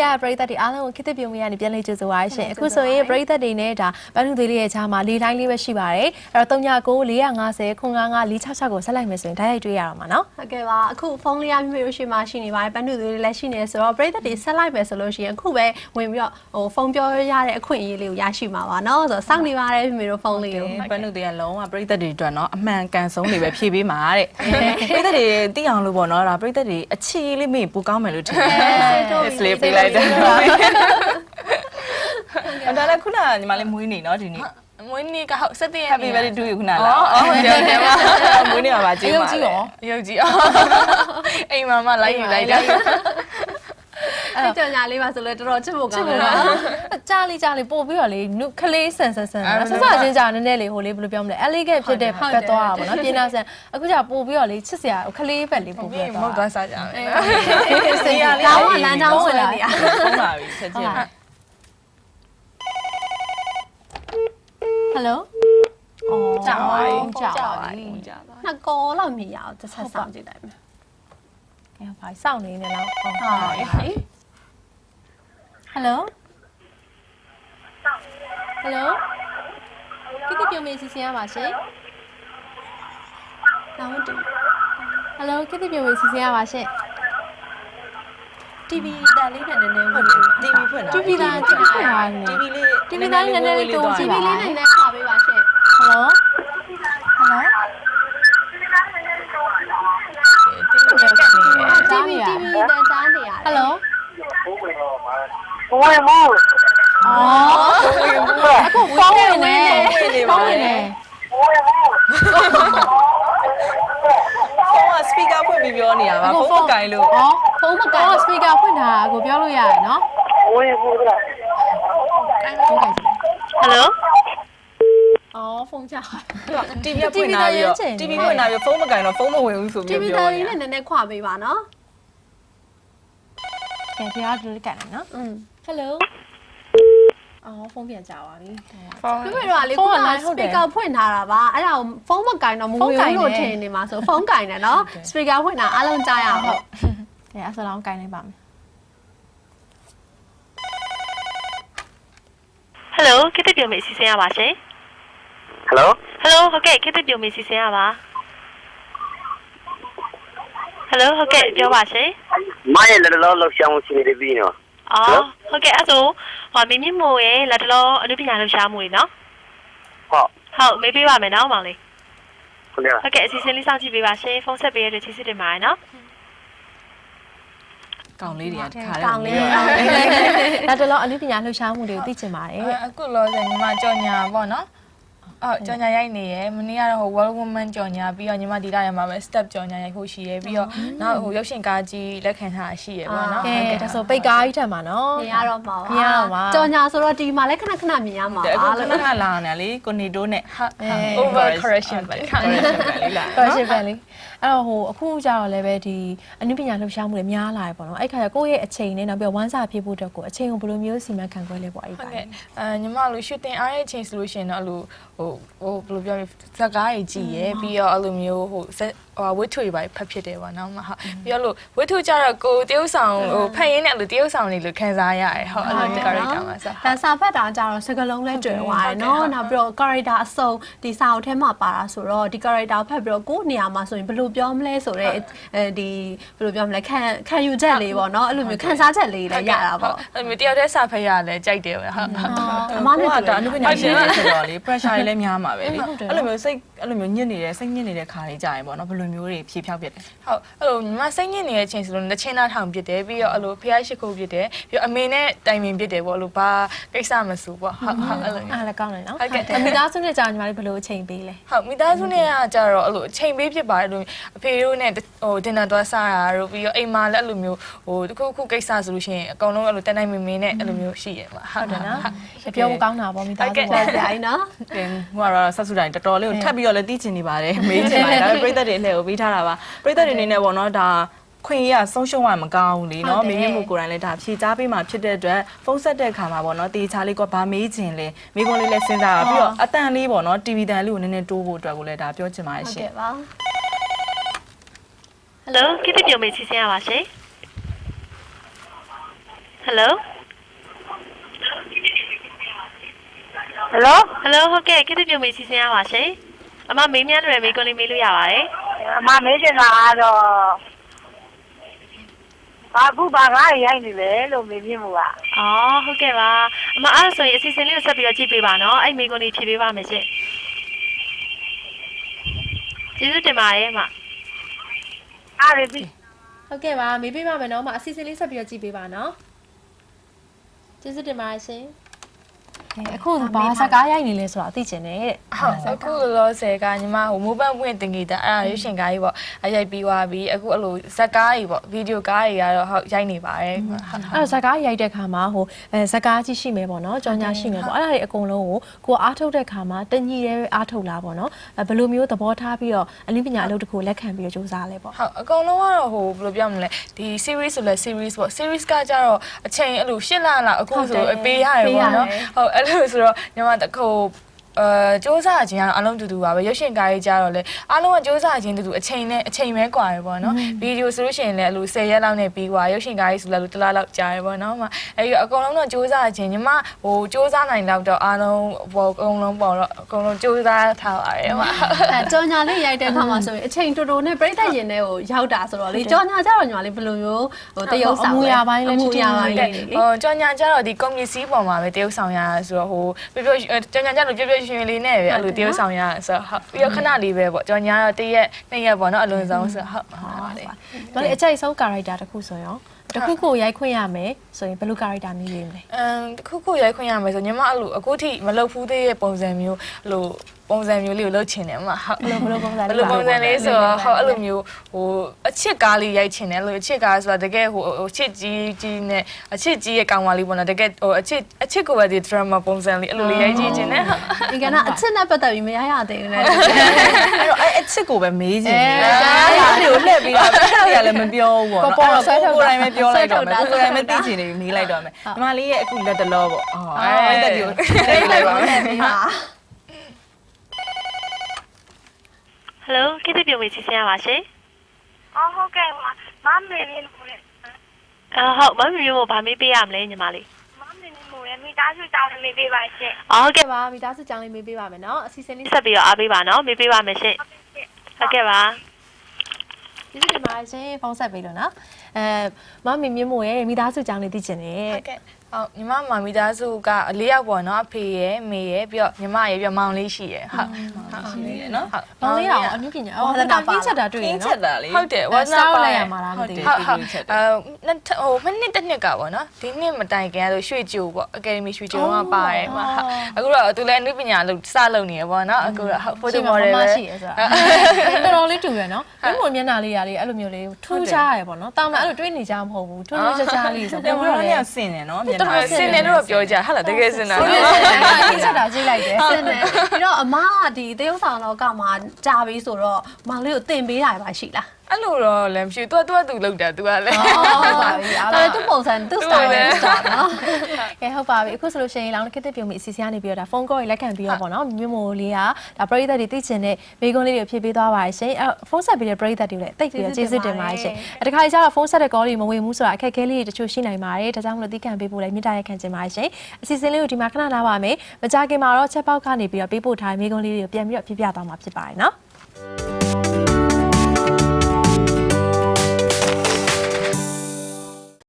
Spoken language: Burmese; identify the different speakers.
Speaker 1: ပရိသတ်တွေအားလုံးကိုခေတ္တပြုံးမရနေပြန်လေးကြိုဆိုပါရှင်အခုဆိုရင်ပရိသတ်တွေနဲ့ဒါဘန်းသူသေးလေးရဲ့ခြားမှာလေးတိုင်းလေးပဲရှိပါတယ်အဲ့တော့399450 955 466ကိုဆက်လိုက်မယ်ဆိုရင်ဓာတ်ရိုက်တွေ့ရတော့မှာနော်
Speaker 2: ဟုတ်ကဲ့ပါအခုဖုန်းလေးရမျိုးရှိမှရှိနေပါတယ်ဘန်းသူသေးလေးလည်းရှိနေဆိုတော့ပရိသတ်တွေဆက်လိုက်မယ်ဆိုလို့ရှိရင်အခုပဲဝင်ပြီးတော့ဖုန်းပြောရတဲ့အခွင့်အရေးလေးကိုရရှိမှာပါနော်ဆိုတော့စောင့်နေပါတယ်မိမိတို့ဖုန်းလေးကို
Speaker 3: ဘန်းသူသေးကလုံးဝပရိသတ်တွေအတွက်နော်အမှန်ကန်ဆုံးတွေပဲဖြည့်ပေးမှာတဲ့ပရိသတ်တွေသိအောင်လို့ပေါ့နော်ဒါပရိသတ်တွေအခြေလေးမေ့ပူကောင်းမယ်လို့ထင်တယ်စလေးပေးလိုက်တယ်ဒါလည်းခုနကညီမလေးမွေးနေနော်ဒီနေ့မွေးနေ့ကဟုတ်7ရက် Happy birthday to you ခုနလားဟုတ်တယ်ပါမွေးနေ့မှာပါကျေးဇူးပါရုပ်ကြီးအိမ်မှာမလိုက်ယူလိုက်တာ
Speaker 2: အဲ့ကြောင်ညာလေးပါဆိုလဲတော်တော်ချစ်ဖို့ကောင်းတယ်နော်
Speaker 1: ကြားလေးပို့ပြီးတော့လေနုခလေးဆန်ဆန်ဆက်ချင်းကြာနည်းနည်းလေးဟိုလေးဘယ်လိုပြောမလဲအလေးကဖြစ်တဲ့ဘက်သွားတာပေါ့နော်ပြင်းနာဆန်အခုကျပို့ပြီးတော့လေချစ်စရာခလေးဘက်လေးပို့ပြီးတော့
Speaker 3: မဟုတ်သွားစားကြမယ်
Speaker 2: ဆေးရလေးကောင်းလမ်းကြောင်းဆွဲနေရ
Speaker 3: ဟုတ်ပါပြီချက်ချင်း
Speaker 1: ဟယ်လို
Speaker 2: ကြာပါပြီ
Speaker 1: နှစ်
Speaker 2: ကောလောက်မြည်ရအောင်တစ်ဆက်ဆောင်ကြည့်လိုက်မယ်
Speaker 1: အဲ့ဘာစောင့်နေနေလားဟုတ်ဟယ်လိုကိကိပြုံးမေးစီစဉ်ရပါရှင်
Speaker 2: လာဝင်တူ
Speaker 1: ဟယ်လိုကိကိပြုံးမေးစီစဉ်ရပါရှင်
Speaker 2: TV တန်လေးနဲ့နည်းနည်းဝင်တူ
Speaker 3: TV ဖွင့်တာ
Speaker 1: TV သား TV ဖွင့်တာ
Speaker 3: TV လေး
Speaker 1: TV သားနည်းနည်းလေးတိုးကြည့်ပါ
Speaker 2: TV လေးနဲ့နည်းနည်းခါပေးပါရှင်
Speaker 1: ဟယ်လို
Speaker 2: TV တန်ချားနေရတယ်
Speaker 1: ဟယ်လို
Speaker 4: ဘဝင်မ
Speaker 1: အော်အခုဖုန်းဝင်နေဖုန်းဝင်နေ
Speaker 3: ဖုန်းက speaker ဖွင့်ပြီးပြောနေတာပါဖုန်းမကင်လို့
Speaker 1: ဖုန်းမကင် speaker ဖွင့်တာကိုပြောလို့ရတယ်နော်
Speaker 4: ဝင်ဘူးလား
Speaker 1: ဟယ်လိုအော်ဖုန်းချ
Speaker 3: TV ဖွင့်လာပြီးတော့ TV ဖွင့်လာပြီးဖုန်းမကင်တော့ဖုန်းမဝင်ဘူးဆိုပြီး
Speaker 2: ပြောနေတာ TV လေးနဲ့နည်းနည်းခွာပေးပါနော်
Speaker 1: ကဲတရားတူလေးကန်နေနော်ဟယ်လိုအော်ဖုန်းပြန်ကြပါပြီ
Speaker 2: ဖုန်းပြတော့လေခုနက speaker ဖွင့်ထားတာပါအဲ့ဒါကိုဖုန်းမကင်တော့မဝင်ဘူးလို့ထင်နေမှာဆိုဖုန်းကင်တယ်နော် speaker ဖွင့်တာအားလုံးကြားရအောင်ဟုတ်
Speaker 1: ကဲအဲ့ဆိုတော့ကင်လိုက်ပါမယ်
Speaker 5: ဟယ်လိုကိတ္တပြုံးမေးစီစဉ်ရပါရှင်
Speaker 4: ဟယ်လို
Speaker 5: ဟုတ်ကဲ့ကိတ္တပြုံးမေးစီစဉ်ရပါဟယ်လိုဟုတ်ကဲ့ပြောပါရှင်
Speaker 4: မရဲ့လက်တော်လောက်ရှောင်းစီနေပြီနော်
Speaker 5: အော်ဟုတ်ကဲ့အဲ့ဆိုဟောမင်းမြင့်မို့ရဲ့လက်တော်အနုပညာလှူရှားမှုတွေနော်ဟုတ်မေးပေးပါမယ်နော်မောင်လေးဟုတ်ကဲ့အစီအစဉ်လေးစောင့်ကြည့်ပေးပါရှင်ဖုန်းဆက်ပေးရတဲ့ချစ်စစ်တင်ပါတယ်နော်
Speaker 3: ကောင်လေးတွေကခါတယ်
Speaker 2: ကောင်လေး
Speaker 1: ဒါတလောအနုပညာလှူရှားမှုတွေကိုသိချင်ပါတယ်
Speaker 3: အခုလောဆယ်ညီမကြော်ညာပေါ့နော်ကြော်ညာရိုက်နေရယ်မနေ့ကတော့ဟို World Woman ကြော်ညာပြီးတော့ညီမဒီလာရမှာပဲ step ကြော်ညာရိုက်ဖို့ရှိရယ်ပြီးတော့နောက်ဟိုရုပ်ရှင်ကားကြီးလက်ခံထားရှိရယ်ပေါ့နော်
Speaker 1: ဟုတ်ကဲ့ဒါဆိုပိတ်ကားကြီးထက်မှာနော်
Speaker 2: မြင်ရတော့မှာ
Speaker 1: မြင်ရတော့မှာ
Speaker 2: ကြော်ညာဆိုတော့ဒီမှာလည်းခဏခဏမြင်ရမှာပါ
Speaker 3: လို့ခဏလာနေလေကိုနေတိုးနဲ့ over correction ပဲ correction ပဲလေလား
Speaker 1: correction ပဲလေအဲ့တော့ဟိုအခုကျတော့လည်းပဲဒီအနုပညာလှူရှားမှုတွေများလာပြီပေါ့နော်အဲ့ခါကျကိုယ့်ရဲ့အချိန်နဲ့နောက်ပြီးဝမ်းစာဖြစ်ဖို့အတွက်ကိုအချိန်ကိုဘယ်လိုမျိုးစီမံခန့်ခွဲလဲပေါ့အဲ့ပါ
Speaker 3: ညီမလိုရှူတင်အားရဲ့အချိန်ဆိုလို့ရှိရင်တော့အဲ့လိုဟိုဘယ်လိုပြောလဲဇက်ကားကြီးကြည့်ရယ်ပြီးတော့အဲ့လိုမျိုးဟိုဝတ်ထုတွေပါဖတ်ဖြစ်တယ်ပေါ့နော်ဟုတ်ပြီးတော့လို့ဝတ်ထုကြတော့ကိုတရုပ်ဆောင်ဟိုဖတ်ရင်းနဲ့အဲ့လိုတရုပ်ဆောင်လေးလိုခံစားရတယ်ဟုတ်အဲ့လို character မှာဆို
Speaker 2: ဒါစာဖတ်တာကြတော့စကားလုံးလဲတွေ့သွားတယ်နော်နောက်ပြီးတော့ character အစုံဒီစာအုပ်ထဲမှာပါတာဆိုတော့ဒီ character ဖတ်ပြီးတော့ကိုယ့်နေရာမှာဆိုရင်ဘယ်လိုပြောမလဲဆိုတော့ဒီဘယ်လိုပြောမလဲခံယူချက်လေးပေါ့နော်အဲ့လိုမျိုးခံစားချက်လေးလည်းရတာပေါ့
Speaker 3: အဲ့လိုမျိုးတယောက်တည်းစာဖတ်ရလဲကြိုက်တယ်ဟုတ်
Speaker 2: အမနဲ့
Speaker 3: ဒါအနုပညာရှင်ဆိုတော့လေ pressure တွေလည်းများမှာပဲလေအဲ့လိုမျိုးစိတ်အဲ့လိုမျိုးညစ်နေတဲ့စိတ်ညစ်နေတဲ့ခါလေးကြာရင်ပေါ့နော်ဘယ်လိုမျိုးတွေဖြေဖြောက်ပြတယ်ဟုတ်အဲ့လိုညီမစိတ်ညစ်နေတဲ့အချိန်ဆိုလို့တစ်ချင်းသားထောင်ပြတယ်ပြီးတော့အဲ့လိုဖျားရှိခိုးပြတယ်ပြီးတော့အမေနဲ့တိုင်ပင်ပြတယ်ပေါ့အဲ့လိုဘာကိစ္စမဆိုပေါ့ဟုတ်အဲ့လို
Speaker 1: အားလည်းကောင်းတယ်နော်မိသားစုနဲ့ကြာညီမလေးဘယ်လိုအချိန်ပေးလဲ
Speaker 3: ဟုတ်မိသားစုနဲ့ကကြာတော့အဲ့လိုအချိန်ပေးဖြစ်ပါတယ်လို့အဖေတို့နဲ့ဟိုဒင်နာသွားစားတာတို့ပြီးတော့အိမ်မှာလည်းအဲ့လိုမျိုးဟိုတခုခုကိစ္စဆိုလို့ရှိရင်အကောင်လုံးအဲ့လိုတန်တိုင်းမင်းမင်းနဲ့အဲ့လိုမျိုးရှိရမှာ
Speaker 1: ဟုတ်တယ်နော်ပြောဖို့ကောင်းတာပေါ့မိသားစု
Speaker 2: ပေါ့ကြာရင်နော်
Speaker 3: တင်ဟိုကတော့ဆက်စုတိုင်းတော်တော်လေးကိုထပ်ပြီးတော့လည်းသိချင်နေပါတယ်မေးချင်ပါတယ်ဒါပေမဲ့ပြည်သက်တွေအလှည့်ကိုပေးထားတာပါပြည်သက်တွေအနေနဲ့ပေါ့နော်ဒါခွင့်ရဆုံးရှုံးရမကောင်းဘူးလေနော်မိမိမှုကိုယ်တိုင်လည်းဒါဖြေချပေးမှဖြစ်တဲ့အတွက်ဖုန်းဆက်တဲ့အခါမှာပေါ့နော်တေချာလေးကဗာမေးချင်လဲမိကွန်လေးလည်းစဉ်းစားပါပြီးတော့အတန်လေးပေါ့နော် TV တန်လေးကိုနည်းနည်းတိုးဖို့အတွက်ကိုလည်းဒါပြောချင်ပါတယ်ရှင်
Speaker 2: ဟုတ်ကဲ့ပါဟ
Speaker 5: ယ်လိုကိတ္တပြုံးမေးစီစဉ်ရပါရှင်ဟ Hello
Speaker 6: Hello
Speaker 5: Hello ဟုတ်ကဲ့ခေတ္တပြုံမေးစီစဉ်ရပါရှင်အမမေးမြန်းတယ်မေးခွန်းလေးမေးလို့ရပါတယ်
Speaker 6: အမမေးချင်တာကတော့ဘာဘူးဘာကားရိုက်နေလဲလို့မေးမြင်မှုက
Speaker 5: အော်ဟုတ်ကဲ့ပါအမအဲ့ဒါဆိုရင်အစီအစဉ်လေးကိုဆက်ပြီးတော့ကြည့်ပေးပါနော်အဲ့မေးခွန်းလေးဖြေပေးပါမယ်ရှင်ကျေးဇူးတင်ပါတယ်အမ
Speaker 6: အားရပြီ
Speaker 1: ဟုတ်ကဲ့ပါမေးပေးပါမယ်နော်မအစီအစဉ်လေးဆက်ပြီးတော့ကြည့်ပေးပါနော်ကျေးဇူးတင်ပါတယ်ရှင်အခုဘာစကားရိုက်နေလဲဆိုတာသိချင်တယ်တဲ့
Speaker 7: ဟုတ်အခုလောဆယ်ကညီမဟိုမိုးပန်းပွင့်တင်ကြတာအဲ့ဒါရွှေရှင်ကားကြီးပေါ့အရိုက်ပြီးသွားပြီအခုအဲ့လိုဇက်ကားကြီးပေါ့ဗီဒီယိုကားကြီးကတော့ဟုတ်ရိုက်နေပါတယ်
Speaker 1: အဲ့ဇကားရိုက်တဲ့ခါမှာဟိုဇကားကြီးရှိမယ်ပေါ့နော်ကြောင်ညာရှိမယ်ပေါ့အဲ့ဒါတွေအကုန်လုံးကိုအားထုတ်တဲ့ခါမှာတညီရဲအားထုတ်လာပေါ့နော်ဘယ်လိုမျိုးသဘောထားပြီးတော့အနည်းပညာအလုပ်တစ်ခုလက်ခံပြီးတော့စူးစမ်းလဲပေါ့
Speaker 7: ဟုတ်အကုန်လုံးကတော့ဟိုဘယ်လိုပြောမလဲဒီ series ဆိုလဲ series ပေါ့ series ကကြတော့အချိန်အဲ့လို8လလောက်အခုဆိုပေးရတယ်ပေါ့နော်ဟုတ်အဲ့လိုဆိုတော့ညီမတခုစ조사ခြင်းကတော့အလုံးတူတူပါပဲရုပ်ရှင်ကားကြီးကြတော့လေအားလုံးကစ조사ခြင်းတူတူအချိန်နဲ့အချိန်ပဲကွာရပေါ့နော်ဗီဒီယိုဆိုလို့ရှိရင်လည်းအဲ့လို10ရက်လောက်နဲ့ပြီးကွာရုပ်ရှင်ကားကြီးဆိုလည်းတစ်လလောက်ကြာရပေါ့နော်အဲ့ဒီအကုန်လုံးတော့စ조사ခြင်းညီမဟိုစ조사နိုင်တော့တော့အားလုံးပေါ့အကုန်လုံးပေါ့တော့အကုန်လုံးစ조사ထားပါတယ်မှာ
Speaker 2: ကြော်ညာလေးရိုက်တဲ့ခါမှာဆိုရင်အချိန်တူတူနဲ့ပြိတ္တရင်ထဲကိုရောက်တာဆိုတော့လေကြော်ညာကြတော့ညီမလေးဘယ်လိုမျိုးဟိုတရုပ်ဆောင်
Speaker 1: အမူအရာပိုင်းလည်းထိထိမိမိ
Speaker 7: ဟိုကြော်ညာကြတော့ဒီကွန်မြူစီပေါ်မှာပဲတရုပ်ဆောင်ရဆိုတော့ဟိုပြောကြော်ညာကြလို့ပြောရှင်လေးနဲ့ပဲအဲ့လိုတရုပ်ဆောင်ရဆိုတော့ပြီးတော့ခဏလေးပဲပေါ့ကြော်ညာတော့1ရက်2ရက်ပေါ့နော်အလွန်ဆုံးဆိုဟုတ်ပါတယ်
Speaker 1: ဘာလဲအကြိုက်ဆုံး character တစ်ခုဆိုရင်တစ်ခုခုရိုက်ခွင့်ရမယ်ဆိုရင်ဘယ်လို character မျိုးရေးမလဲ
Speaker 7: တစ်ခုခုရိုက်ခွင့်ရမယ်ဆိုညီမအဲ့လိုအခုထိမလုပ်ဘူးသေးတဲ့ပုံစံမျိုးအဲ့လိုပုံစံမျိုးလေးကိုလုပ်ချင်တယ်မှာဟုတ်
Speaker 1: ဘယ်လိုပုံစံ
Speaker 7: ဘယ်လိုပုံစံလေးဆိုတော့ဟုတ်အဲ့လိုမျိုးဟိုအချစ်ကားလေးရိုက်ချင်တယ်အဲ့လိုအချစ်ကားဆိုတာတကယ်ဟိုအချစ်ကြီးနဲ့အချစ်ကြီးရဲ့ကောင်မလေးပေါ့နော်တကယ်ဟိုအချစ်ကိုပဲဒီ drama ပုံစံလေးအဲ့လိုလေးရိုက်ကြည့်ချင်တယ်ဟုတ်
Speaker 2: ဒီကနေ့အချစ်နဲ့ပတ်သက်ပြီးမရရသေးဘူးလေ
Speaker 3: အဲ့တော့အဲ့အချစ်ကိုပဲမေးချင်တယ်အဲ့ဒီကိုလှည့်ပြီးတော့အဲ့ဒါလည်းမပြောဘူးပေါ့နော်ကိုတိုင်းပဲပြောလိုက်တော့မယ်ကိုတိုင်းပဲသိချင်နေပြီးမေးလိုက်တော့မယ်ညီမလေးရဲ့အခုလက်တလောပေါ့အဲ့ဒါဒီကိုသိလိုက်ပါမယ်
Speaker 5: Hello ခေတ္တပြုံမေးစီစဉ်ရပါရှင်
Speaker 6: ဟုတ်ကဲ့မမေးနေလို့လေ
Speaker 5: ဟုတ်မမေးမျိုးဘာမေးပေးရမလဲညီမလေး
Speaker 6: မမေးနေလို့မိသားစုတောင်းနေပေးပါရှင်
Speaker 5: ဟုတ်ကဲ့
Speaker 1: ပါမိသားစုကြောင်းလေးမေးပေးပါမယ်နော်အစီအစဉ်လေး
Speaker 5: ဆက်ပြီးတော့အားပေးပါနော်မေးပေးပါမယ်ရှင်ဟုတ်ကဲ့ပါ
Speaker 1: ကျေးဇူးတင်ပါတယ်ရှင်ဖုန်းဆက်ပေးလို့နော်မမမြင့်မို့ရဲ့မိသားစုကြောင်းလေးသိချင်တယ်
Speaker 7: ဟုတ်ကဲ့ဟုတ်ညီမမမိသားစုက၄ယောက်ပေါ့နော်အဖေရယ်မေရယ်ပြီးတော့ညီမရယ်ပြီးတော့မောင်လေးရှိရယ်ဟုတ်ရှိရယ်နော်ဟုတ်
Speaker 1: ။မောင်လေးအောင်အမှုပညာဝါသနာပါချက်တာတွေ့ရ
Speaker 3: င်းချ
Speaker 1: နော်
Speaker 3: က်တာလေ
Speaker 7: ဟုတ်တယ်ဝါသနာပါ
Speaker 1: လိုက်ရမှာလားမသိဘူး
Speaker 7: ဟုတ်ဟိုမနှစ်တစ်နှစ်ကပေါ့နော်ဒီနှစ်မတိုင်ခင်ဆိုရွှေကြိုပေါ့အကယ်ဒမီရွှေကြိုကပါတယ်မှာအခုတော့သူလည်းအနုပညာလို့စလုပ်နေရပေါ့နော်အခုတော့ဖိုတိုမော်ဒယ်ပဲ
Speaker 1: ရှိရဆိုတာတော်တော်လေးတူရနော်။ဘယ်လိုမျက်နှာလေးရလေးအဲ့လိုမျိုးလေးထူးခြားရပေါ့နော်။တာမန်အဲ့လိုတွေးနေကြမဟုတ်ဘူး။ထူးခြားခြားလေးဆို
Speaker 3: တယ်
Speaker 1: တော့
Speaker 3: ဘယ်လိုလဲဆင်တယ်နော်မြန်မာ
Speaker 7: စင်တယ်လို့ပြောကြဟာလားတကယ်စင်တာ
Speaker 1: ဒီချက်တာကြည့်လိုက်တယ်
Speaker 2: စနေပြီးတော့အမကဒီတရုပ်ဆောင်လောကမှာကြာပြီဆိုတော့မောင်လေးကိုတင်ပေးတာပါရှိလား
Speaker 7: အဲ့လိုတော့လည်းမရှိသူကသူလောက်တာသူကလည်း
Speaker 2: ဟုတ်ပါပြီဒါလည်းသူ့ပုံစံသူ့ style နဲ့စတာနော်
Speaker 1: ကဲဟုတ်ပါပြီအခုဆိုလို့ရှိရင်လောင်းခေတ္တပြုံမိအစီအစဉ်ကနေပြီးတော့ဒါဖုန်းကောကြီးလက်ခံပြီးတော့ပေါ့နော်မြို့မိုလေးကဒါပရိသတ်တွေသိချင်တဲ့မိကုန်းလေးတွေဖြည့်ပေးသွားပါတယ်ရှင်အဲ့ဖုန်းဆက်ပြီးတဲ့ပရိသတ်တွေလည်းတိတ်ပြီးတော့ကျေးဇူးတင်ပါတယ်ရှင်တခါကျတော့ဖုန်းဆက်တဲ့ကောလေးမဝင်ဘူးဆိုတာအခက်အခဲလေးတွေတချို့ရှိနိုင်ပါတယ်ဒါကြောင့်မလို့သိခံပေးဖို့လည်းမြစ်တာရက်ခံချင်ပါတယ်ရှင်အစီအစဉ်လေးကိုဒီမှာခဏနားပါမယ်မကြခင်မှာတော့ချက်ပေါက်ကနေပြီးတော့ပေးပို့ထားတဲ့မိကုန်းလေးတွေကိုပြန်ပြီးတော့ပြပြသွားမှာဖြစ်ပါတယ်နော်